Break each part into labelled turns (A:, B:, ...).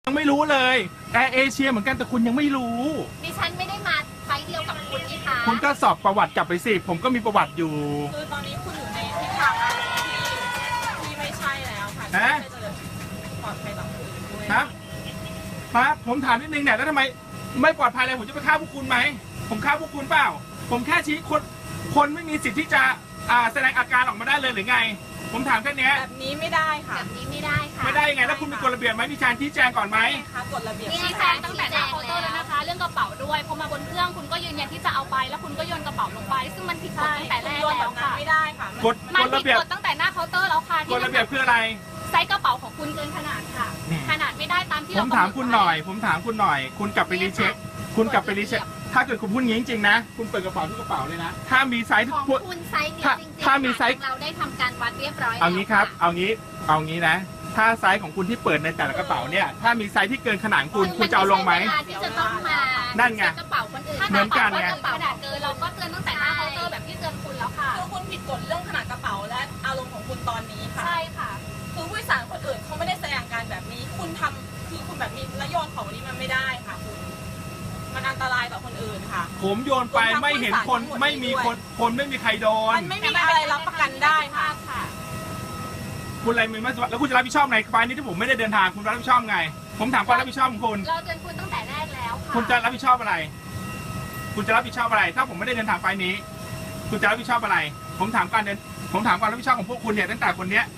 A: ยังไม่รู้เลยแอร์เอเชียเหมือนกันแต่คุณยังไม่รู้
B: ดิฉันไม่ได้มาไฟล์เดียวกับคุณนี่คะ
A: คุณก็สอบประวัติกลับไปสิผมก็มีประวัติอยู่
C: คือตอนนี้คุณอยู่ในทิศทางการที่ไม่ใช่แล้วค่ะที่ไม่จะปลอดภัยต่อผู้อื่นด้วย
A: ครับผมถามนิดนึงเนี่ยแล้วทำไมไม่ปลอดภัยเลยผมจะไปฆ่าพวกคุณไหมผมฆ่าพวกคุณเปล่าผมแค่ชี้คนไม่มีสิทธิ์ที่จะแสดงอาการออกมาได้เลยหรือไงผมถามแค่นี้
C: แบบนี้ไม่ได้ค่ะ
B: แบบนี้ไม่ได้ค่ะ
A: ไม่ได้ยังไงแล้วคุณมีกฎระเบียบไหมมีการชี้แจงก่อนไหม
C: คะกฎระเบียบ
B: ชี้แจงตั้งแต่หน้าเคาน์เตอร์แล้วนะคะเรื่องกระเป๋าด้วยพอมาบนเครื่องคุณก็ยืนยันที่จะเอาไปแล้วคุณก็โยนกระเป๋าลงไปซึ่งมันผิดกฎตั้งแต่แรกแล้วค่ะ
C: ไม่ได้ค่ะ
A: กฎ
B: ระเบียบตั้งแต่หน้าเคาน์เตอร์แล้วค่ะ
A: กฎระเบียบคืออะไร
B: ไซส์กระเป๋าของคุณเกินขนาดค่ะขนาดไม่ได้ตามที่
A: ผมถามคุณหน่อยคุณกลับไปรีเช็คคุณกลับไปรีเช็คถ้าเกิดคุณพูดงี้จริงๆนะคุณเปิดกระเป๋าทุกกระเป๋าเลยนะถ้ามีไซส์
B: ของคุณไซส์เนี่ยจริงๆ
A: ถ้ามีไซส์
B: เราได้ทำการวัดเรียบร้อย
A: เอางี้ครับเอางี้นะถ้าไซส์ของคุณที่เปิดในแต่ละกระเป๋าเนี่ยถ้ามีไซส์ที่เกินขนาดคุณจะเอาลงไหม
B: ที่จะต้องมา
A: นั่นไง
B: กระเป๋าคนอื่น
A: เหมือนกันไง
B: กระเป๋าขนาดเกินเราก็เตือนตั้งแต่หน้าเคาน์เตอร์แบบที่เตือนคุณแล้วค่ะ
C: คือคุณผิดกฎเรื่องขนาดกระเป๋าและอารมณ์ของคุณตอนนี้ค่ะ
B: ใช่ค่ะ
C: คือผู้โดยสารคนอื่นเขาไม่ได้แสดงการแบบนี้คุณทำคือคุณแบบนี้และโยนของนี้มันไม่ได้ค่ะคุณมันอันตรายต่อคนอื่นค่ะ
A: ผมโยนไปไม่เห็นคนไม่มีคนไม่มีใครโดน
C: มันไม่มีอะไรรับประกันได้ค่ะ
A: คุณอะไรมือมาแล้วคุณจะรับผิดชอบในไฟล์นี้ที่ผมไม่ได้เดินทางคุณรับผิดชอบไงผมถามความรับผิดชอบของคุณ
B: เราเตือนคุณตั้งแต่แรกแล้วค่ะ
A: คุณจะรับผิดชอบอะไรคุณจะรับผิดชอบอะไรถ้าผมไม่ได้เดินทางไฟล์นี้คุณจะรับผิดชอบอะไรผมถามความรับผิดชอบของพวกคุณเนี่ยตั้งแต่คนนี้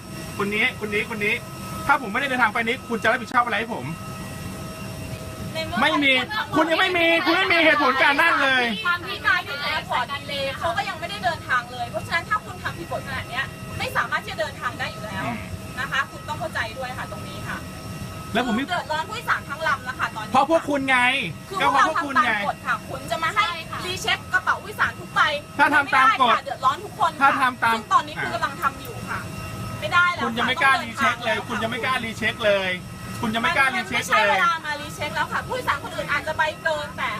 A: ถ้าผมไม่ได้เดินทางไฟล์นี้คุณจะรับผิดชอบอะไรให้ผมไม่มีคุณยังไม่มีเหตุผลการนั่งเลย
C: ความที่นายถึงแอร์พอร์ตดีเลยเขาก็ยังไม่ได้เดินทางเลยเพราะฉะนั้นถ้าคุณทำผิดกฎขนาดนี้ไม่สามารถที่จะเดินทางได้อยู่แล้วนะคะคุณต้องเข้าใจด้วยค่ะตรงนี้ค่ะ
A: แล้วผม
C: เดือดร้อนผู้โดยสารทั้งลำนะคะตอนนี้
A: เพราะพวกคุณไง
C: ก็เพราะพวกคุณไงค่ะคุณจะมาให้รีเช็คกระเป๋าผู้โดยสารทุกใบ
A: ถ้าทำตามกฎ
C: เดือดร้อนทุกคน
A: ถ้าทำตาม
C: ซึ่งตอนนี้คุณกำลังทำอยู่ค่ะไม่ได้แล้ว
A: คุณยังไม่กล้ารีเช็คเลยคุณยังไม่กล้ารีเช็คเลยคุณยังไม่กล้ารีเช็คเลย
C: ไม่ใช่เวลามารีเช็คแล้วค่ะผู้โดยสารคนอื่นอาจจะใบเกินแต่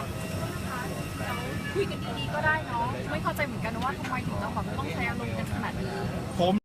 D: คุยกันดีๆก็ได้เนาะไม่เข้าใจเหมือนกันว่าทำไมถึงต้องใช้อารมณ์กันขนาดนี้
A: ผม